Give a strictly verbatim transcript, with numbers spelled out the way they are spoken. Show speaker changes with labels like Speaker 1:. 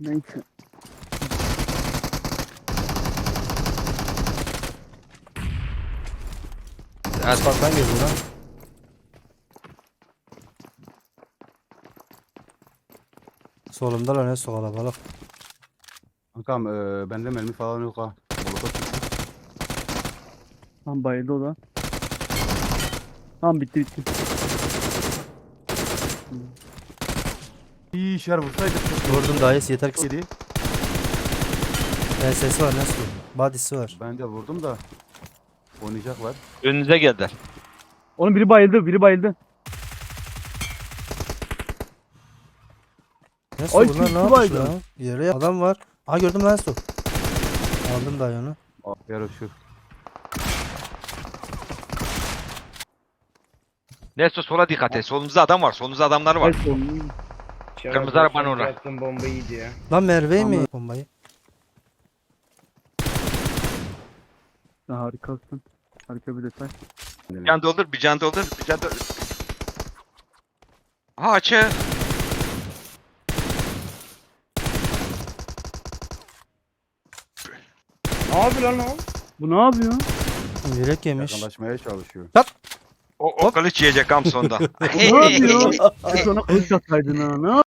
Speaker 1: Neyse.
Speaker 2: Asfalttan geliyor lan. Solumda lan ne su kalabalık.
Speaker 3: Kankam e, bende mermi falan yok ha. Molotof çıktı.
Speaker 1: Tamam bayıldı o da. Tamam bitti bitti.
Speaker 3: İyi işler vursaydık.
Speaker 2: Vurdum dayı yeter ki.
Speaker 3: Yedi.
Speaker 2: Ben sesi var nasıl? Body'si var.
Speaker 3: Ben de vurdum da. Oynayacaklar.
Speaker 4: Önünüze geldiler.
Speaker 1: Onun biri bayıldı, biri bayıldı.
Speaker 2: Nasıl
Speaker 1: Ay,
Speaker 2: bunlar
Speaker 1: kim
Speaker 2: ne yapmış
Speaker 1: baydı?
Speaker 2: lan? Yere adam var. Aa gördüm lan su. Aldım dayı onu.
Speaker 3: Aa, yarı şu.
Speaker 4: Nesto sola dikkat et. Solunuzda adam var. Solunuzda adamlar var.
Speaker 1: Evet, oğlum.
Speaker 4: Kırmızı arabanın orada.
Speaker 5: Attım bomba iyiydi ya.
Speaker 2: Lan Merve mi?
Speaker 1: Tamam.
Speaker 2: Bombayı.
Speaker 1: Sen harikasın. Harika bir detay.
Speaker 4: Bir can doldur, bir can doldur, bir can doldur. Ha açı.
Speaker 5: Ne yapıyor lan o?
Speaker 1: Bu ne yapıyor?
Speaker 2: Yürek yemiş.
Speaker 3: Yakınlaşmaya çalışıyor.
Speaker 4: O, o kılıç yiyecek am sonda.
Speaker 1: Bu ne yapıyor? Biz ona kılıç atsaydın ha. Ne